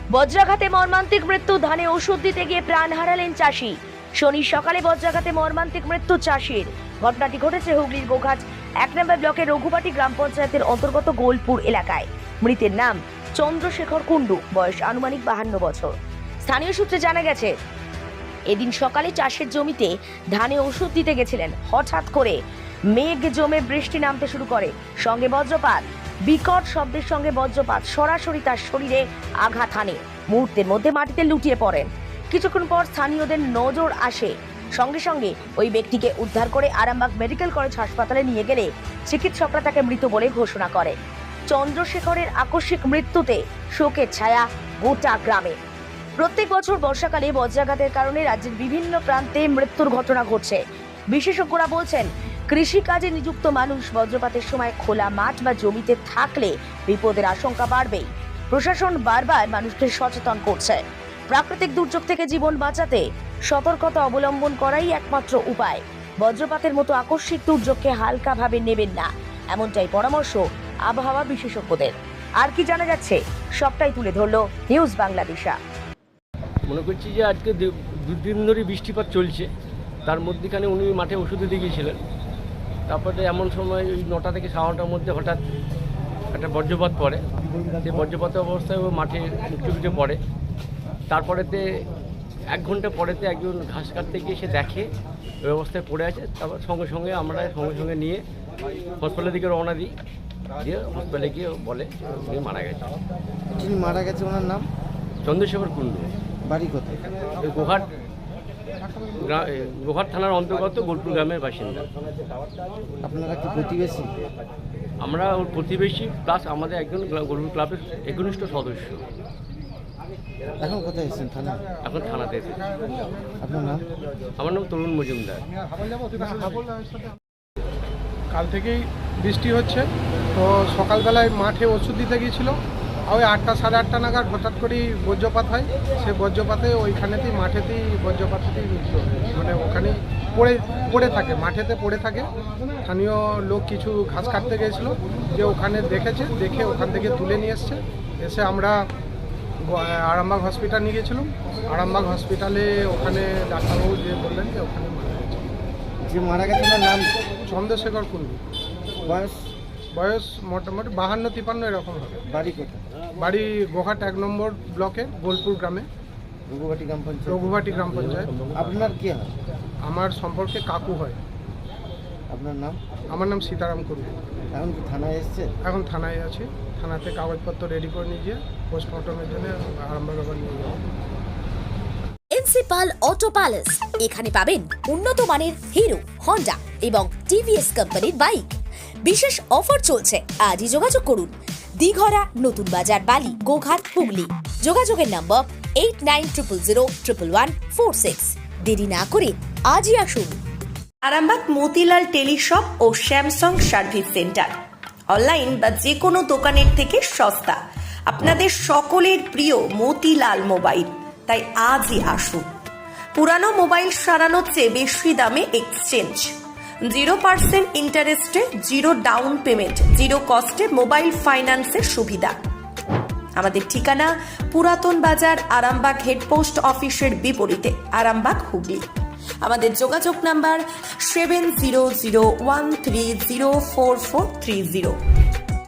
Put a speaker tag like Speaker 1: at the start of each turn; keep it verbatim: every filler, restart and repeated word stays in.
Speaker 1: বজ্রাঘাতে মর্মান্তিক মৃত্যু, ধানে ওষুধ দিতে গিয়ে প্রাণ হারালেন চাষি। শনি সকালে বজ্রাঘাতে মর্মান্তিক মৃত্যু চাষির। ঘটনাটি ঘটেছে হুগলির গোঘাট এক নম্বর ব্লকের রঘুবাটি গ্রাম পঞ্চায়েতের অন্তর্গত গোলপুর এলাকায়। মৃতের নাম চন্দ্রশেখর কুণ্ডু, বয়স আনুমানিক বাহান্ন বছর। স্থানীয় সূত্রে জানা গেছে, এদিন সকালে চাষের জমিতে ধানে ওষুধ দিতে গেছিলেন। হঠাৎ করে মেঘ জমে বৃষ্টি নামতে শুরু করে, সঙ্গে বজ্রপাত। বিকট শব্দের সঙ্গে বজ্রপাত সরাসরি তার শরীরে আঘাত হানে। মুহূর্তের মধ্যে মাটিতে লুটিয়ে পড়েন। কিছুক্ষণ পর স্থানীয়দের নজর আসে, সঙ্গে সঙ্গে ওই ব্যক্তিকে উদ্ধার করে আরামবাগ মেডিকেল কলেজ হাসপাতালে নিয়ে গেলে চিকিৎসকরা তাকে মৃত বলে ঘোষণা করে। চন্দ্রশেখরের আকস্মিক মৃত্যুতে শোকের ছায়া গোটা গ্রামে। প্রত্যেক বছর বর্ষাকালে বজ্রাঘাতের কারণে রাজ্যের বিভিন্ন প্রান্তে মৃত্যুর ঘটনা ঘটছে। বিশেষজ্ঞরা বলছেন, কৃষিকাজে নিযুক্ত মানুষ বজ্রপাতের সময় খোলা মাঠ বা জমিতে থাকলে বিপদের আশঙ্কা বাড়বেই। প্রশাসন বারবার মানুষকে সচেতন করছে। প্রাকৃতিক দুর্যোগ থেকে জীবন বাঁচাতে সতর্কতা অবলম্বন করাই একমাত্র উপায়। বজ্রপাতের মতো আকস্মিক দুর্যোগকে হালকাভাবে নেবেন না, এমনটাই পরামর্শ আবহাওয়া বিশেষজ্ঞদের। আর কি জানা যাচ্ছে সবটাই তুলে ধরলো নিউজ বাংলাদেশা।
Speaker 2: মনে করছি যে আজকে দুদিন ধরে বৃষ্টিপাত চলছে, তার মধ্যেখানে উনি মাঠে ওষুধ দিয়ে গিয়েছিলেন। তারপরে এমন সময় ওই নটা থেকে সাড়ে নটার মধ্যে হঠাৎ একটা বজ্রপাত পড়ে। সেই বজ্রপাতের অবস্থায় ও মাঠে উঁচু উঁচু পড়ে। তারপরেতে এক ঘন্টা পরেতে একজন ঘাস কাটতে গিয়ে সে দেখে ওই অবস্থায় পড়ে আছে। তারপর সঙ্গে সঙ্গে আমরা সঙ্গে সঙ্গে নিয়ে হসপিটালের দিকে রওনা দিই, দিয়ে হসপিটালে গিয়ে বলে উনি মারা গেছে।
Speaker 3: যিনি মারা গেছে ওনার নাম
Speaker 2: চন্দ্রশেখর কুণ্ডু,
Speaker 3: বাড়ি কোথায়?
Speaker 2: গোঘাট গোঘাট থানার অন্তর্গত গোলপুর গ্রামের বাসিন্দা।
Speaker 3: আপনারা কি প্রতিবেশী?
Speaker 2: আমরা ওর প্রতিবেশী প্লাস আমাদের একজন গোলপুর ক্লাবের একনিষ্ঠ সদস্য।
Speaker 3: এখন কোথায় এসেছেন? থানা?
Speaker 2: এখন থানাতে এসেছি।
Speaker 3: আপনার নাম?
Speaker 2: আমার নাম তরুণ মজুমদার।
Speaker 4: কাল থেকেই বৃষ্টি হচ্ছে, তো সকালবেলায় মাঠে ওষুধ দিতে গিয়েছিল। ওই আটটা সাড়ে আটটা নাগাদ হঠাৎ করেই বজ্রপাত হয়। সে বজ্রপাতে ওইখানেতেই মাঠেতেই বজ্রপাতেতেই মৃত্যু হয়। মানে ওখানেই পড়ে পড়ে থাকে, মাঠেতে পড়ে থাকে। স্থানীয় লোক কিছু ঘাস কাটতে গিয়েছিলো, যে ওখানে দেখেছে, দেখে ওখান থেকে তুলে নিয়ে এসছে। এসে আমরা আরামবাগ হসপিটাল নিয়ে গেছিলাম। আরামবাগ হসপিটালে ওখানে ডাক্তারবাবু যে বললেন যে ওখানে মারা গেছে।
Speaker 3: যে মারা গেছে ওনার নাম?
Speaker 4: চন্দ্রশেখর কুণ্ডু।
Speaker 3: বয়স?
Speaker 4: বয়স মোটামুটি বাহান্ন তিপান্ন এরকম হবে।
Speaker 3: বাড়ি কোথায়?
Speaker 4: বাড়ি গোঘাট এক নম্বর ব্লকে গোলপুর গ্রামে,
Speaker 3: রঘুবাটি গ্রাম পঞ্চায়েত।
Speaker 4: রঘুবাটি গ্রাম পঞ্চায়েত।
Speaker 3: আপনার কি হয়?
Speaker 4: আমার সম্পর্কে কাকু হয়।
Speaker 3: আপনার নাম?
Speaker 4: আমার নাম সীতারাম কুণ্ডু।
Speaker 3: এখন কি থানায় এসছে?
Speaker 4: এখন থানায় আছি। থানাতে কাগজপত্র রেডি করে নিয়ে গিয়ে পোস্টমর্টমের জন্য আরামবাগ আবার নিয়ে যাবো।
Speaker 5: প্রিন্সিপাল অটো প্যালেস, এখানে পাবেন উন্নত মানের হিরো, হন্ডা এবং টিভিএস কোম্পানির বাইক। বিশেষ অফার চলছে, আজই যোগাযোগ করুন। দিঘরা, নতুন বাজার, বালি, গোঘাট, হুগলি। যোগাযোগের number eight nine triple zero triple one four six. দেরি না করে আজই আসুন।
Speaker 6: আরামবাগ মতিলাল টেলিশপ ও স্যামসাং সার্ভিস সেন্টার, অনলাইন বা যে কোনো দোকানের থেকে সস্তা। আপনাদের সকলের প্রিয় মতিলাল মোবাইল, তাই আজই আসুন। পুরানো মোবাইল সারানোর চেয়ে বেশি দামে এক্সচেঞ্জ, জিরো পার্সেন্ট ইন্টারেস্টে, জিরো ডাউন পেমেন্ট, জিরো কস্টে মোবাইল ফাইন্যান্সের সুবিধা। আমাদের ঠিকানা পুরাতন বাজার, আরামবাগ হেডপোস্ট অফিসের বিপরীতে, আরামবাগ, হুগলি। আমাদের যোগাযোগ number seven zero zero one three zero four four three zero.